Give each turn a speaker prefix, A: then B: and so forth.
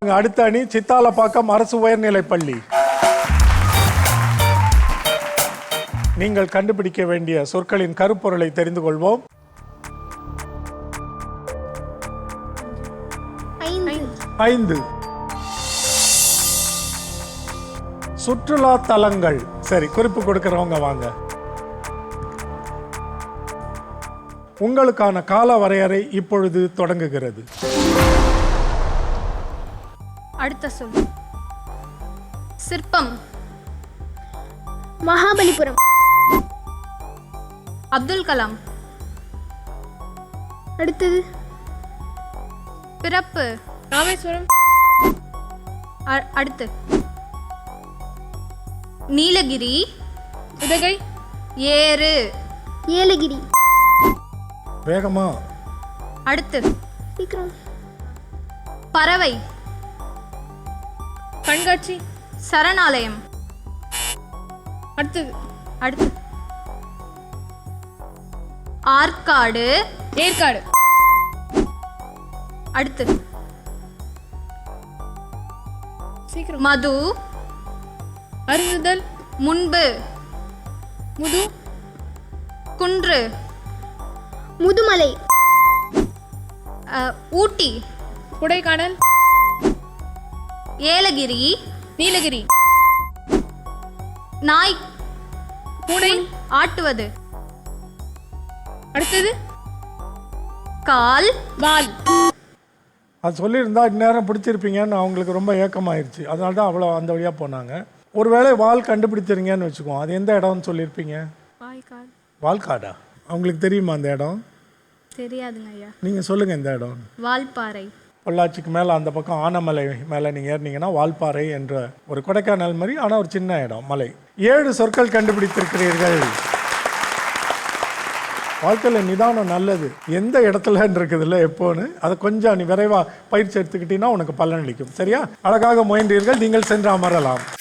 A: அடுத்த அணி சித்தாலப்பாக்கம் அரசு உயர்நிலைப் பள்ளி. நீங்கள் கண்டுபிடிக்க வேண்டிய சொற்களின் கருப்பொருளை தெரிந்து கொள்வோம். ஐந்து. சுற்றுலா தலங்கள். சரி, குறிப்பு கொடுக்கிறவங்க வாங்க. உங்களுக்கான கால வரையறை இப்பொழுது தொடங்குகிறது.
B: அடுத்த சொல் சிற்பம்.
C: மகாபலிபுரம்.
B: அப்துல் கலாம்.
C: அடுத்தது
B: பிறப்பு.
C: ராமேஸ்வரம்.
B: அடுத்து நீலகிரி.
C: உதகை.
B: ஏறு.
C: ஏலகிரி.
A: வேகமா.
B: அடுத்து
C: சீக்கிரம்.
B: பறவை.
C: கண்காட்சி.
B: சரணாலயம்.
C: அடுத்தது
B: அடுத்து ஆற்காடு.
C: ஏற்காடு.
B: அடுத்து
C: சீக்கிரம்.
B: மது.
C: அருந்துதல்.
B: முன்பு.
C: முது.
B: குன்று.
C: முதுமலை.
B: ஊட்டி.
C: கொடைக்கானல்.
B: ஏலகிரி.
C: நீலகிரி.
B: நாய்.
C: பூனை.
B: ஆட்டுவது.
C: அடுத்தது
B: கால்.
C: வால்.
A: அது சொல்லியிருந்தா இந்நேரம் பிடிச்சிருப்பீங்கன்னு அவங்களுக்கு ரொம்ப ஏக்கமாயிருச்சு. அதனால தான் அவ்வளோ அந்த வழியாக போனாங்க. ஒருவேளை வால் கண்டுபிடிச்சிருங்கன்னு வச்சுக்குவோம். அது எந்த இடம்னு சொல்லியிருப்பீங்க?
B: வாய்க்கால்.
A: வால்காடா? அவங்களுக்கு தெரியுமா அந்த இடம்?
B: தெரியாதுங்க ஐயா.
A: நீங்கள் சொல்லுங்கள் எந்த இடம்.
B: வால்பாறை.
A: பொள்ளாச்சிக்கு மேலே அந்த பக்கம் ஆனமலை மேலே நீங்கள் ஏறினீங்கன்னா வால்பாறை என்ற ஒரு கொடைக்கானல் மாதிரி, ஆனால் ஒரு சின்ன இடம், மலை. 7 சொற்கள் கண்டுபிடித்திருக்கிறீர்கள். வாழ்க்கையில் நிதானம் நல்லது. எந்த இடத்துல இருக்குதுல்ல எப்போன்னு அதை கொஞ்சம் நீ விரைவாக பயிற்சி எடுத்துக்கிட்டீங்கன்னா உனக்கு பலன் அளிக்கும். சரியா? அழகாக முயன்றீர்கள். நீங்கள் சென்று அமரலாம்.